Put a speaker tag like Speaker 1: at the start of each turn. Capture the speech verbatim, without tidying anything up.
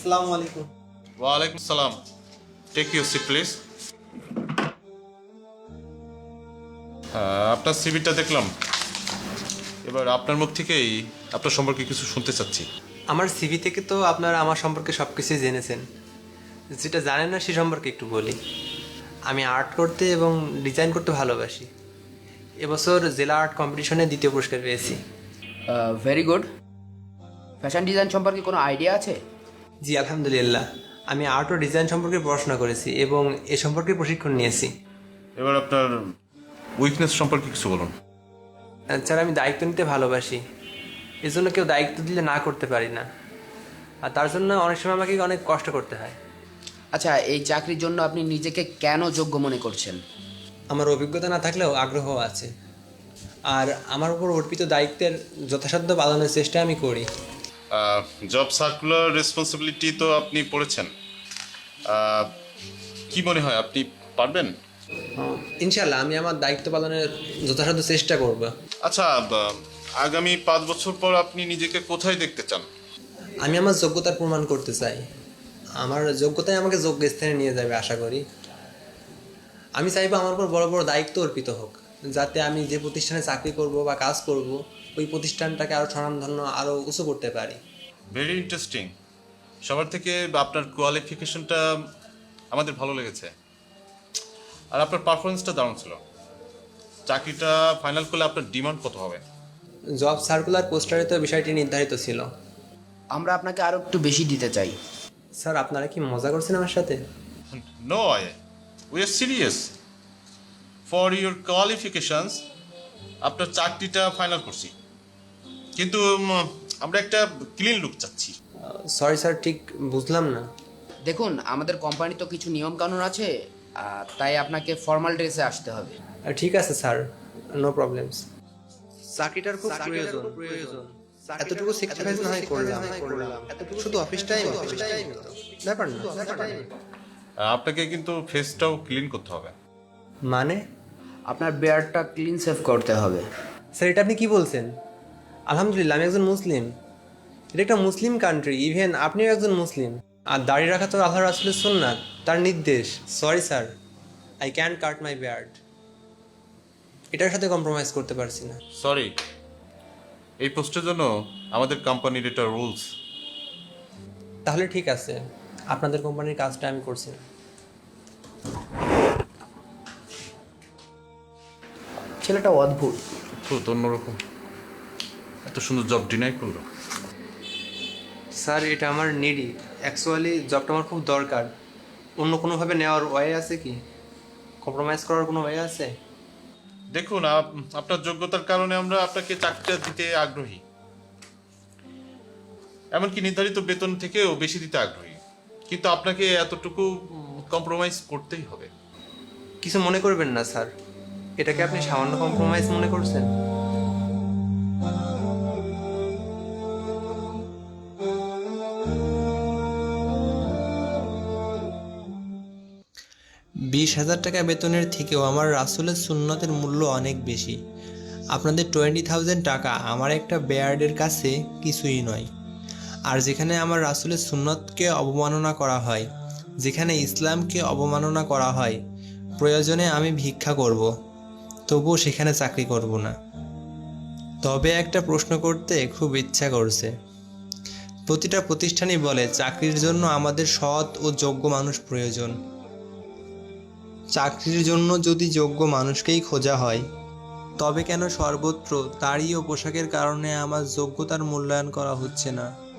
Speaker 1: আসসালামু আলাইকুম।
Speaker 2: ওয়ালাইকুম সালাম। Take your seat please. হ্যাঁ, আপনার সিভিটা দেখলাম। এবার আপনার মুখ থেকেই আপনার সম্পর্কে কিছু শুনতে চাচ্ছি।
Speaker 1: আমার সিভি থেকে তো আপনারা আমার সম্পর্কে সব কিছুই জেনেছেন। যেটা জানেন না সে সম্পর্কে একটু বলি। আমি আর্ট করতে এবং ডিজাইন করতে ভালোবাসি। এবছর জেলা আর্ট কম্পিটিশনে দ্বিতীয় পুরস্কার পেয়েছি।
Speaker 3: Very good. ফ্যাশন ডিজাইন সম্পর্কে কোনো আইডিয়া আছে?
Speaker 1: জি আলহামদুলিল্লাহ, আমি আর্ট ও ডিজাইন সম্পর্কে পড়াশোনা করেছি এবং এ সম্পর্কে প্রশিক্ষণ নিয়েছি।
Speaker 2: এবার আপনার উইকনেস সম্পর্কে কিছু বলুন।
Speaker 1: স্যার, আমি দায়িত্ব নিতে ভালোবাসি, এজন্য কেউ দায়িত্ব দিলে না করতে পারি না, আর তার জন্য অনেক সময় আমাকে অনেক কষ্ট করতে হয়।
Speaker 3: আচ্ছা, এই চাকরির জন্য আপনি নিজেকে কেন যোগ্য মনে করছেন?
Speaker 1: আমার অভিজ্ঞতা না থাকলেও আগ্রহ আছে, আর আমার উপর অর্পিত দায়িত্বের যথাসাধ্য পালনের চেষ্টা আমি করি।
Speaker 2: জব সার্কুলার রেসপন্সিবিলিটি তো আপনি পড়েছেন, আহ, কি মনে হয় আপনি পারবেন?
Speaker 1: ইনশাল্লাহ আমি আমার দায়িত্ব পালনের যথাসাধ্য চেষ্টা করব।
Speaker 2: আচ্ছা, বা- আগামী পাঁচ বছর পর আপনি নিজেকে কোথায় দেখতে চান?
Speaker 1: আমি আমার যোগ্যতার প্রমাণ করতে চাই। আমার যোগ্যতাই আমাকে যোগ্য স্থানে নিয়ে যাবে আশা করি। আমি চাইবো আমার উপর বড় বড় দায়িত্ব অর্পিত হোক, যাতে আমি যে প্রতিষ্ঠানে চাকরি করব বা কাজ করব ওই প্রতিষ্ঠানটাকে আরও স্বনামধন্য আরও উঁচু করতে পারি।
Speaker 2: Very interesting. সবার থেকে আপনার কোয়ালিফিকেশনটা আমাদের ভালো লেগেছে, আর আপনার পারফরমেন্সটা দারুণ ছিল। চাকরিটা ফাইনাল করলে আপনার ডিমান্ড কত হবে?
Speaker 1: জব সার্কুলার পোস্টারে তো বিষয়টি নির্ধারিত ছিল।
Speaker 3: আমরা আপনাকে আরও একটু বেশি দিতে চাই।
Speaker 1: স্যার, আপনারা কি মজা করছেন আমার সাথে?
Speaker 2: No, I we are serious. For your qualifications আপনার চাকরিটা ফাইনাল করছি, কিন্তু উম, আমরা একটা ক্লিন লুক চাচ্ছি।
Speaker 1: সরি স্যার, ঠিক বুঝলাম না।
Speaker 3: দেখুন, আমাদের কোম্পানি তো কিছু নিয়মকানুন আছে, আহ, তাই আপনাকে ফর্মাল ড্রেসে আসতে হবে।
Speaker 1: আহ, ঠিক আছে স্যার, নো প্রবলেমস। চাকরিটার খুব প্রয়োজন প্রয়োজন এতটুকু স্যাক্রিফাইস না হয় করলাম শুধু অফিস টাইম অফিস টাইম ব্যাপার না ব্যাপার না।
Speaker 2: আপনাকে কিন্তু ফেসটাও ক্লিন করতে হবে।
Speaker 1: মানে
Speaker 3: আপনার বেয়ারটা ক্লিন সেভ করতে হবে।
Speaker 1: স্যার, এটা আপনি কি বলছেন? আলহামদুলিল্লাহ, আমি একজন মুসলিম। এটা একটা মুসলিম কান্ট্রি, ইভেন আপনিও একজন মুসলিম। আর দাড়ি রাখা তো আল্লাহ রাসূলের সুন্নাত, তার নির্দেশ। Sorry sir, I can cut my beard. এটার সাথে কম্প্রোমাইজ করতে পারছি না।
Speaker 2: সরি, এই পোস্টের জন্য আমাদের কোম্পানির এটা রুলস।
Speaker 1: তাহলে ঠিক আছে, আপনাদের কোম্পানির কাজটা আমি করছি না।
Speaker 3: ছেলেটা অদ্ভুত।
Speaker 2: তো অন্যরকম, এত সুন্দর জব ডিনাই করলো।
Speaker 1: স্যার, এটা আমার নিডি। অ্যাকচুয়ালি জবটা আমার খুব দরকার। অন্য কোনোভাবে নেওয়ার ওয়ে আছে কি? কম্প্রোমাইজ করার কোনো ওয়ে আছে?
Speaker 2: দেখুন, আপ- আপনার যোগ্যতার কারণে আমরা আপনাকে চাকরিটা দিতে আগ্রহী, এমনকি নির্ধারিত বেতন থেকেও বেশি দিতে আগ্রহী, কিন্তু আপনাকে এতটুকু কম্প্রোমাইজ করতেই হবে।
Speaker 1: কিছু মনে করবেন না স্যার, এটাকে আপনি সামান্য কম্প্রোমাইজ মনে করছেন? বিশ হাজার টাকা বেতনের থেকেও আমার রাসূলের সুন্নতের মূল্য অনেক বেশি। আপনাদের টোয়েন্টি থাউজেন্ড টাকা আমার একটা বেয়ার্ডের কাছে কিছুই নয়। আর যেখানে আমার রাসূলের সুন্নতকে অবমাননা করা হয়, যেখানে ইসলামকে অবমাননা করা হয়, প্রয়োজনে আমি ভিক্ষা করব, তবুও সেখানে চাকরি করব না। তবে একটা প্রশ্ন করতে খুব ইচ্ছা করছে। প্রতিটা প্রতিষ্ঠানই বলে চাকরির জন্য আমাদের সৎ ও যোগ্য মানুষ প্রয়োজন। চাকরির জন্য যদি যোগ্য মানুষকেই খোঁজা হয়, তবে কেন সর্বত্র দাড়ি ও পোশাকের কারণে আমার যোগ্যতার মূল্যায়ন করা হচ্ছে না?